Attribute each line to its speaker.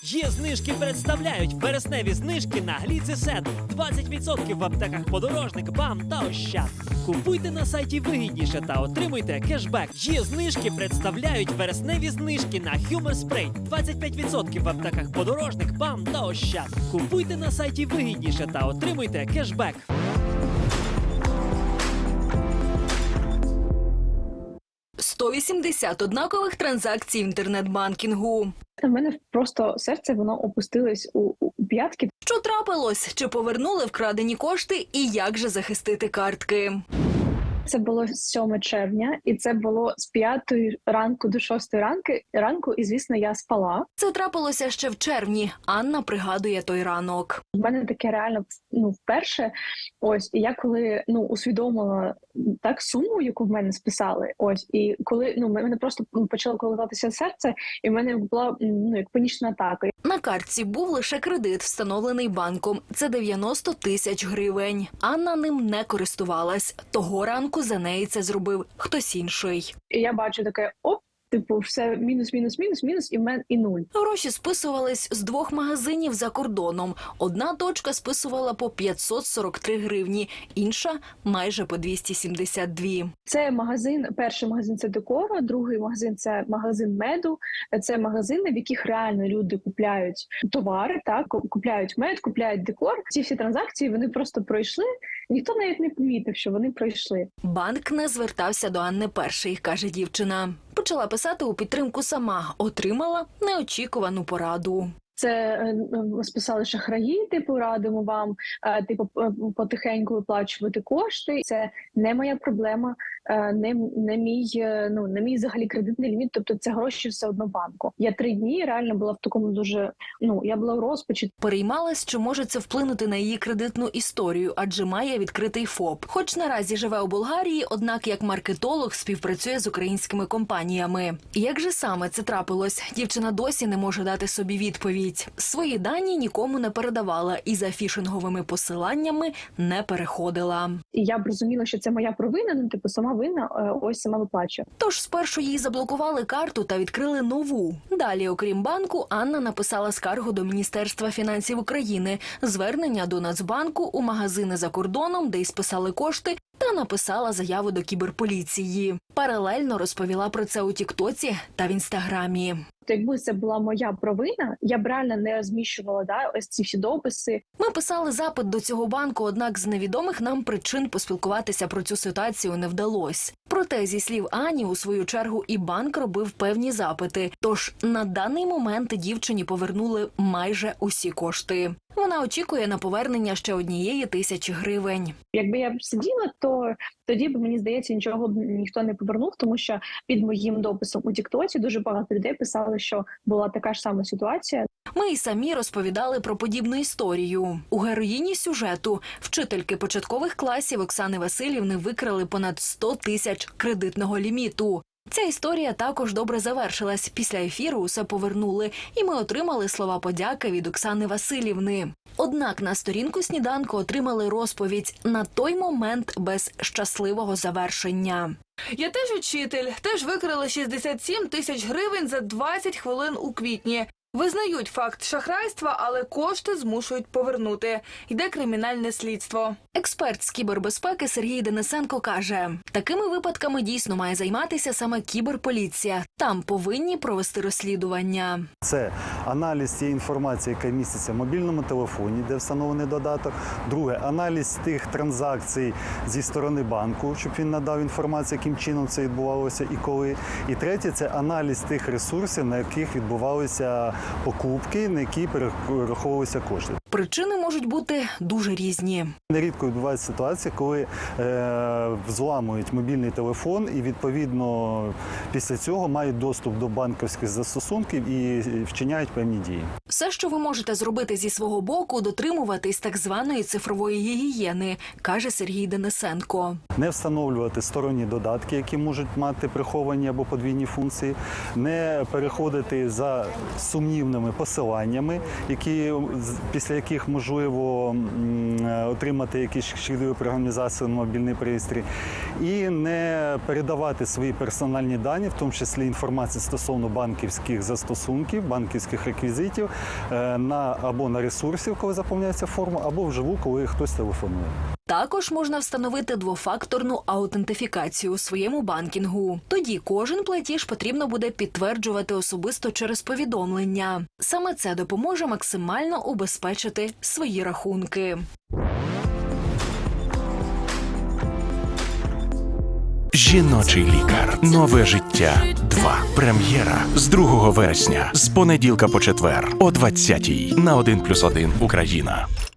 Speaker 1: Є знижки представляють вересневі знижки на гліцесет. 20% в аптеках «Подорожник», «БАМ» та «Ощад». Купуйте на сайті вигідніше та отримуйте кешбек. Є знижки представляють вересневі знижки на Humor Spray. 25% в аптеках «Подорожник», «БАМ» та «Ощад». Купуйте на сайті вигідніше та отримуйте кешбек.
Speaker 2: – 180 однакових транзакцій інтернет-банкінгу.
Speaker 3: У мене просто серце, воно опустилось у п'ятки.
Speaker 2: Що трапилось? Чи повернули вкрадені кошти? І як же захистити картки?
Speaker 3: Це було 7 червня, і це було з 5 ранку до 6 ранку, і, звісно, я спала.
Speaker 2: Це трапилося ще в червні. Анна пригадує той ранок.
Speaker 3: У мене таке реально вперше. Ось, і я коли усвідомила так суму, яку в мене списали. Ось, і коли мене просто почало колотатися серце, і в мене була як панічна атака.
Speaker 2: На картці був лише кредит, встановлений банком. Це 90 тисяч гривень. Анна ним не користувалась. Того ранку за неї це зробив хтось інший.
Speaker 3: І я бачу таке, все мінус, і нуль.
Speaker 2: Гроші списувались з 2 магазинів за кордоном. Одна точка списувала по 543 гривні, інша – майже по 272.
Speaker 3: Це магазин, перший магазин – це декора, другий магазин – це магазин меду. Це магазини, в яких реально люди купляють товари, так, купляють мед, купляють декор. Ці всі транзакції, вони просто пройшли, ніхто навіть не помітив, що вони пройшли.
Speaker 2: Банк не звертався до Анни перший, каже дівчина. Почала писати у підтримку сама, отримала неочікувану пораду.
Speaker 3: Це списали шахраї, радимо вам, потихеньку виплачувати кошти. Це не моя проблема, не мій взагалі кредитний ліміт, тобто це гроші все одно банку. Я 3 дні реально була в такому дуже, я була в розпачі.
Speaker 2: Переймалась, що може це вплинути на її кредитну історію, адже має відкритий ФОП. Хоч наразі живе у Болгарії, однак як маркетолог співпрацює з українськими компаніями. Як же саме це трапилось? Дівчина досі не може дати собі відповідь. Свої дані нікому не передавала і за фішинговими посиланнями не переходила.
Speaker 3: І я б розуміла, що це моя провина, сама винна, ось сама виплачує.
Speaker 2: Тож спершу їй заблокували карту та відкрили нову. Далі, окрім банку, Анна написала скаргу до Міністерства фінансів України, звернення до Нацбанку, у магазини за кордоном, де й списали кошти, та написала заяву до кіберполіції. Паралельно розповіла про це у Тіктоці та в Інстаграмі.
Speaker 3: Якби це була моя провина, я б реально не розміщувала ось ці всі дописи.
Speaker 2: Ми писали запит до цього банку, однак з невідомих нам причин поспілкуватися про цю ситуацію не вдалося. Проте, зі слів Ані, у свою чергу і банк робив певні запити. Тож на даний момент дівчині повернули майже усі кошти. Вона очікує на повернення ще 1000 гривень.
Speaker 3: Якби я б сиділа, то тоді б, мені здається, нічого б ніхто не повернув, тому що під моїм дописом у Тіктоці дуже багато людей писали, що була така ж сама ситуація.
Speaker 2: Ми й самі розповідали про подібну історію. У героїні сюжету вчительки початкових класів Оксани Василівни викрали понад 100 тисяч кредитного ліміту. Ця історія також добре завершилась. Після ефіру усе повернули, і ми отримали слова подяки від Оксани Василівни. Однак на сторінку «Сніданку» отримали розповідь на той момент без щасливого завершення.
Speaker 4: Я теж учитель, теж викрали 67 тисяч гривень за 20 хвилин у квітні. Визнають факт шахрайства, але кошти змушують повернути. Йде кримінальне слідство.
Speaker 2: Експерт з кібербезпеки Сергій Денисенко каже, такими випадками дійсно має займатися саме кіберполіція. Там повинні провести розслідування.
Speaker 5: Це аналіз цієї інформації, яка міститься в мобільному телефоні, де встановлений додаток. Друге, аналіз тих транзакцій зі сторони банку, щоб він надав інформацію, яким чином це відбувалося і коли. І третє, це аналіз тих ресурсів, на яких відбувалися покупки, на які перераховувалися кошти.
Speaker 2: Причини можуть бути дуже різні.
Speaker 5: Нерідко відбувається ситуація, коли взламують мобільний телефон і, відповідно, після цього мають доступ до банківських застосунків і вчиняють певні дії.
Speaker 2: Все, що ви можете зробити зі свого боку, дотримуватись так званої цифрової гігієни, каже Сергій Денисенко.
Speaker 5: Не встановлювати сторонні додатки, які можуть мати приховані або подвійні функції, не переходити за сумнівними посиланнями, після яких можливо отримати якісь шкідливі програмізації на мобільний пристрій, і не передавати свої персональні дані, в тому числі інформацію стосовно банківських застосунків, банківських реквізитів, або на ресурсів, коли заповняється форма, або вживу, коли хтось телефонує.
Speaker 2: Також можна встановити двофакторну аутентифікацію у своєму банкінгу. Тоді кожен платіж потрібно буде підтверджувати особисто через повідомлення. Саме це допоможе максимально убезпечити свої рахунки.
Speaker 6: Жіночий лікар. Нове життя. 2. Прем'єра з 2 вересня. З понеділка по четвер о 20-й на 1+1 Україна.